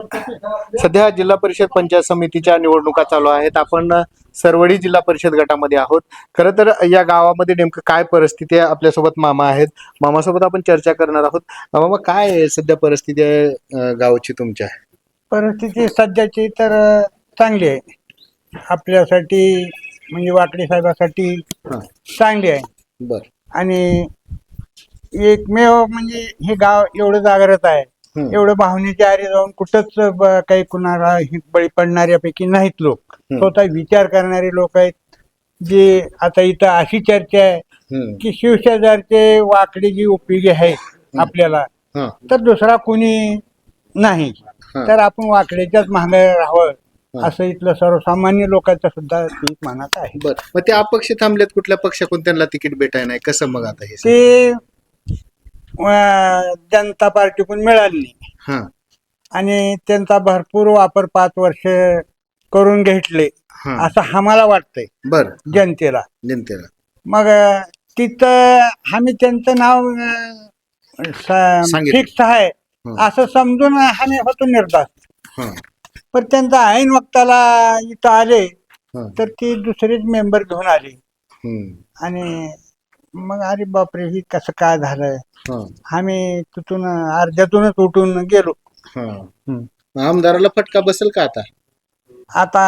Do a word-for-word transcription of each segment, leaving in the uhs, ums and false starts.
सध्या जिल्हा परिषद पंचायत समितीच्या निवडणुका चालू आहेत. आपण अ, सरवडी जिल्हा परिषद गटामध्ये आहोत. खरं तर या गावामध्ये नेमकं काय परिस्थिती आहे, आपल्यासोबत मामा आहेत. मामासोबत आपण चर्चा करणार आहोत. अ, मामा, काय आहे सध्या परिस्थिती आहे अ, गावाची तुमच्या? परिस्थिती सध्याची तर अ, चांगली आहे आपल्यासाठी, म्हणजे वाकडे साहेबासाठी हा. चांगली आहे. बर. आणि एकमेव म्हणजे हे गाव एवढं जागृत आहे, हम्म. एवढं भावनेच्या आरी जाऊन कुठंच ब- काही कुणाला हि- बळी पडणाऱ्यापैकी नाहीत लोक. हम्म. स्वतः विचार करणारे लोक आहेत. जे आता इथं अशी चर्चा आहे हम्म. की शिवशेजारचे वाकडे जी उपयोगी आहेत आपल्याला, हा. तर दुसरा कोणी नाही. हा. तर आपण वाकड्याच्याच मागे राहावं हा. असं इथलं सर्वसामान्य लोकांचं सुद्धा पीक मनात आहे. बर. मग ते अपक्ष थांबलेत, कुठल्या पक्षाकडून त्यांना तिकीट भेटाय नाही, कसं मग आता हे? ते अं, जनता पार्टीकडून मिळाली नाही हा. आणि त्यांचा भरपूर वापर पाच वर्ष करून घेतले हा. असं आम्हाला वाटतंय बर. जनतेला. जनतेला. मग अं, तिथं आम्ही त्यांचं नाव सांगितलं. फिक्स आहे हं. असं समजून आम्ही होतो निर्धार. हा. पण त्यांचा ऐन वक्ताला इथं आले हा. तर ती दुसरीच मेंबर घेऊन आली. हम्म. आणि मग अरे बापरे, ही कसं काय झालं. हा. आम्ही तिथून अर्ध्यातूनच उठून गेलो. हा. आमदाराला फटका बसेल का आता? आता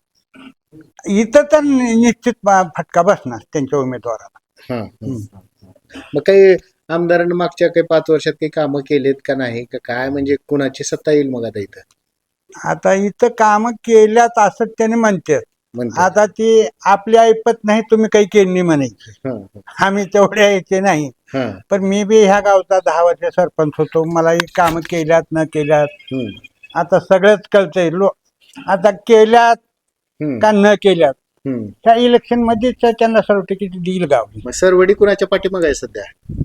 इथं तर निश्चित फटका बसणार त्यांच्या उमेदवाराला. हा. हा. मग काही आमदारांनी मागच्या काही पाच वर्षात काही कामं केलेत का नाही, का काय, म्हणजे कुणाची सत्ता येईल मग आता इथं? आता इथं काम केल्यात असं त्याने म्हणतात. म्हणते. आता ती आपली ऐपत नाही, तुम्ही काही केली म्हणायची. हा. आम्ही तेवढ्या यायचे नाही. हा. पण मी बी ह्या गावचा दहा वर्ष सरपंच होतो. मला ही कामं केल्यात न केल्यात हम्म. आता सगळंच कळतंय. लो आता केल्यात हम्म. का न केल्यात हम्म. त्या इलेक्शन मध्येच त्यांना सर्टिफिकेट देईल गाव. मग सरवडी कुणाच्या पाठीमागे आहे सध्या?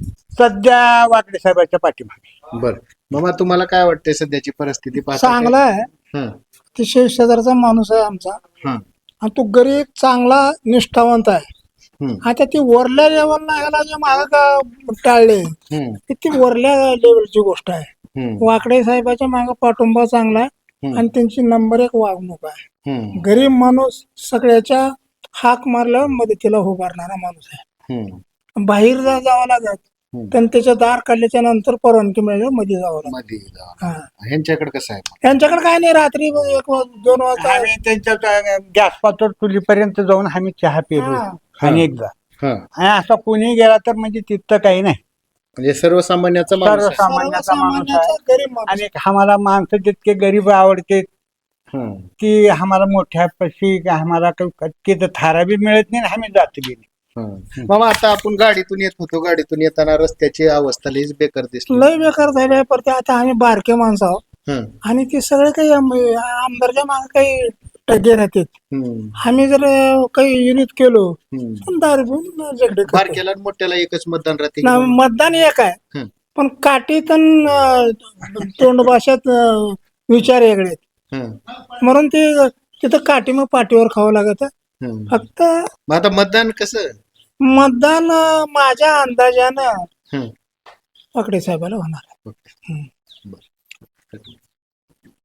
सध्या वाकडे साहेबाच्या पाठीमागे. बर. मामा, तुम्हाला काय वाटतंय सध्याची परिस्थिती पाहता? चांगला आहे. हा. ते शेजारचा माणूस आहे आमचा, हा. आणि तो गरीब चांगला निष्ठावंत आहे. हम्म. आता ती वरल्या लेवलला ह्याला जे माग का टाळले, हम्म. ती वरल्या लेवलची गोष्ट आहे. हम्म. वाकडे साहेबाच्या माग पाठिंबा चांगला आहे हम्म. आणि त्यांची नंबर एक वागणूक आहे. हम्म. गरीब माणूस सगळ्याच्या हाक मारल्यावर मदतीला उभारणारा माणूस आहे. हम्म. बाहेर जा जावं लागत, हम्म. पण त्याच्या दार काढल्याच्या नंतर परवानगी मिळाली मध्ये जावं लागत. मध्ये जावं. हा. ह्यांच्याकडे कसं आहे? त्यांच्याकडे काय नाही, रात्री एक वाज- दोन वाजता आम्ही त्यांच्या गॅस पातळ चुलीपर्यंत जाऊन आम्ही चहा पिलो हा. आणि एकदा. हा. आणि असा कोणी गेला तर म्हणजे तिथं काही नाही. म्हणजे सर्वसामान्याचा माणूस आहे. सर्वसामान्याचा माणूस आहे. सर्वसामान्याचा गरीब माणूस. आणि आम्हाला माणसं जितके गरीब आवडते हम्म. की आम्हाला मोठ्या पशी आम्हाला काही तिथं थारा बी मिळत नाही आणि आम्ही जात बी नाही. हम्म. मामा, आता आपण गाडीतून येत होतो, गाडीतून येताना रस्त्याची अवस्था लईच बेकार दिसली. लय बेकार झाले. पण ते आता आम्ही बारके माणसं आहोत हम्म. आणि ते सगळे काही आम- आमदारच्या मागे काही टगे राहतात. हम्म. आम्ही जर अं, काही युनिट केलो हम्म. पण दारू घेऊन झगडे करतो. बारक्याला आणि मोठ्याला एकच मतदान राहते. ना, मतदान एक आहे, हम्म. पण काठीतून तोंड भाषेत अं, विचार वेगळे आहेत. हम्म. म्हणून ते तिथं काठी मग पाठीवर खावं लागत. हम्म. फक्त मग आता मतदान कसं? मतदान अं, माझ्या अंदाजानं हम्म. वाकडे साहेबाला होणार आहे. ओके. हम्म. बरं.